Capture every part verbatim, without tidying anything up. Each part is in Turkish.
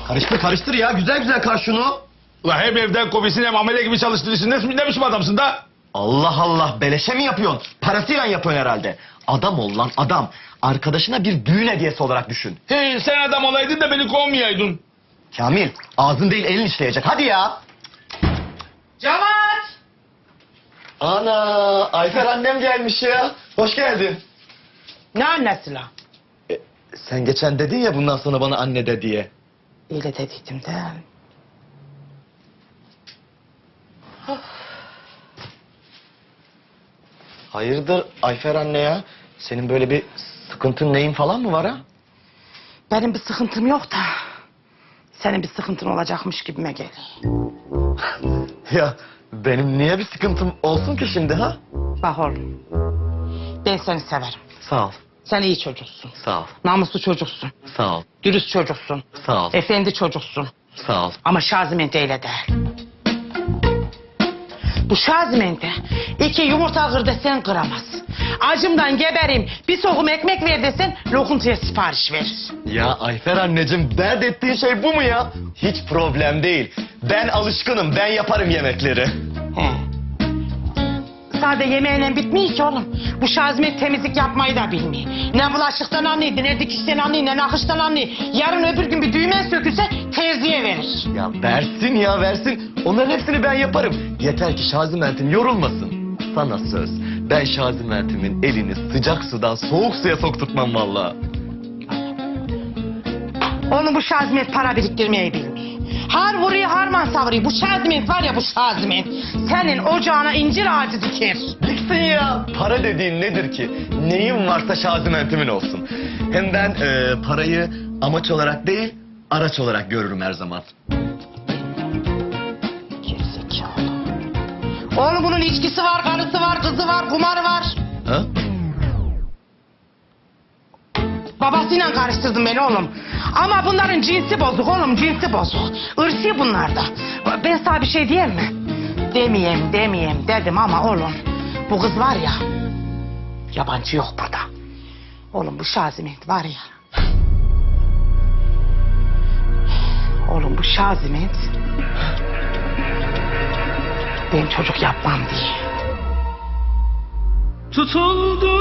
Karıştır karıştır ya. Güzel güzel kar şunu. Ulan hem evden komisin hem amele gibi çalıştırırsın. Ne, ne biçim adamsın da? Allah Allah. Beleşe mi yapıyorsun? Parasıyla yapıyorsun herhalde. Adam ol lan adam. Arkadaşına bir düğün hediyesi olarak düşün. He, sen adam olaydın da beni kovmayaydın. Kamil ağzın değil elin işleyecek. Hadi ya. Cevat! Ana Ayfer annem gelmiş ya. Hoş geldin. Ne annesi la? E, sen geçen dedin ya bundan sonra bana anne de diye. Öyle dediydim de. Hayırdır Ayfer anne ya? Senin böyle bir sıkıntın neyin falan mı var ha? Benim bir sıkıntım yok da. Senin bir sıkıntın olacakmış gibime geliyor. Ya benim niye bir sıkıntım olsun ki şimdi ha? Bak oğlum. Ben seni severim. Sağ ol. Sen iyi çocuksun. Sağ ol. Namuslu çocuksun. Sağ ol. Dürüst çocuksun. Sağ ol. Efendi çocuksun. Sağ ol. Ama Şaziment öyle değil. Bu Şaziment'e iki yumurta kır desen kıramaz. Acımdan geberim, bir sokum ekmek ver desen lokuntuya sipariş verir. Ya Ayfer anneciğim dert ettiğin şey bu mu ya? Hiç problem değil. Ben alışkınım. Ben yaparım yemekleri. He. Sadece yemeğiyle bitmiyor ki oğlum. Bu Şaziment temizlik yapmayı da bilmiyor. Ne bulaşıktan anlıyordu, ne dikişten anlıyor, ne nakıştan anlıyor. Yarın öbür gün bir düğme sökülse terziye verir. Ya versin ya versin. Onların hepsini ben yaparım. Yeter ki Şaziment'in yorulmasın. Sana söz. Ben Şaziment'imin elini sıcak sudan soğuk suya sokturtmam vallahi. Onun bu Şaziment para biriktirmeyi bilmiyor. Har vuruyor, harman savuruyor. Bu Şaziment var ya bu Şaziment. Senin ocağına incir ağacı diker. Diksin ya. Para dediğin nedir ki? Neyim varsa Şaziment'imin olsun. Hem ben e, parayı amaç olarak değil, araç olarak görürüm her zaman. Gerizekalı. Oğlum bunun içkisi var, karısı var, kızı var, kumarı var. Ha? Babasıyla karıştırdın beni oğlum. Ama bunların cinsi bozuk oğlum, cinsi bozuk. Irsi bunlarda. Ben sana bir şey diyeyim mi? Demeyeyim, demeyeyim dedim ama oğlum. Bu kız var ya, yabancı yok burada. Oğlum bu Şaziment var ya. Oğlum bu Şaziment. Ben çocuk yapmam diye. Tutuldu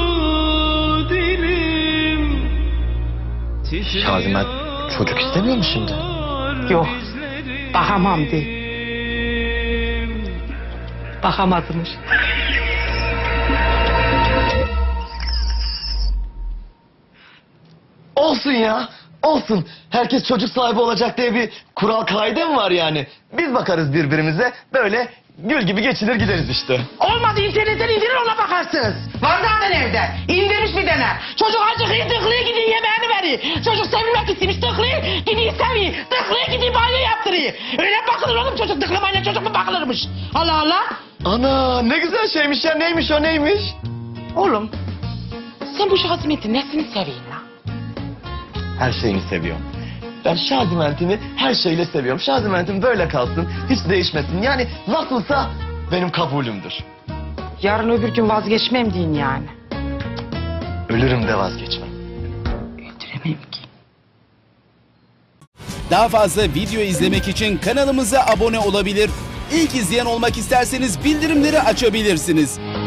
dilim. Şaziment çocuk istemiyor mu şimdi? Yok, bakamam diye. Bakamazmış. Olsun ya. Olsun. Herkes çocuk sahibi olacak diye bir kural kaide mi var yani? Biz bakarız birbirimize. Böyle gül gibi geçinir gideriz işte. Olmadı internetten indirir ona bakarsınız. Var zaten evde. İndirmiş bir tane. Çocuk acıkıyor tıklıyor gidiyor yemeğini veriyor. Çocuk sevilmek istemiş tıklıyor gidiyor seviyor. Tıklıyor gidiyor banyo yaptırıyor. Öyle bakılır oğlum çocuk tıklamayla çocuk mu bakılırmış? Allah Allah. Ana ne güzel şeymiş ya. Neymiş o neymiş? Oğlum sen bu Şaziment'in nesini seviyorsun lan? Her şeyini seviyorum. Ben Şaziment'imi her şeyle seviyorum. Şaziment'im böyle kalsın. Hiç değişmesin. Yani nasılsa benim kabulümdür. Yarın öbür gün vazgeçmem deyin yani. Ölürüm de vazgeçmem. Öldüremem ki. Daha fazla video izlemek için kanalımıza abone olabilir. İlk izleyen olmak isterseniz bildirimleri açabilirsiniz.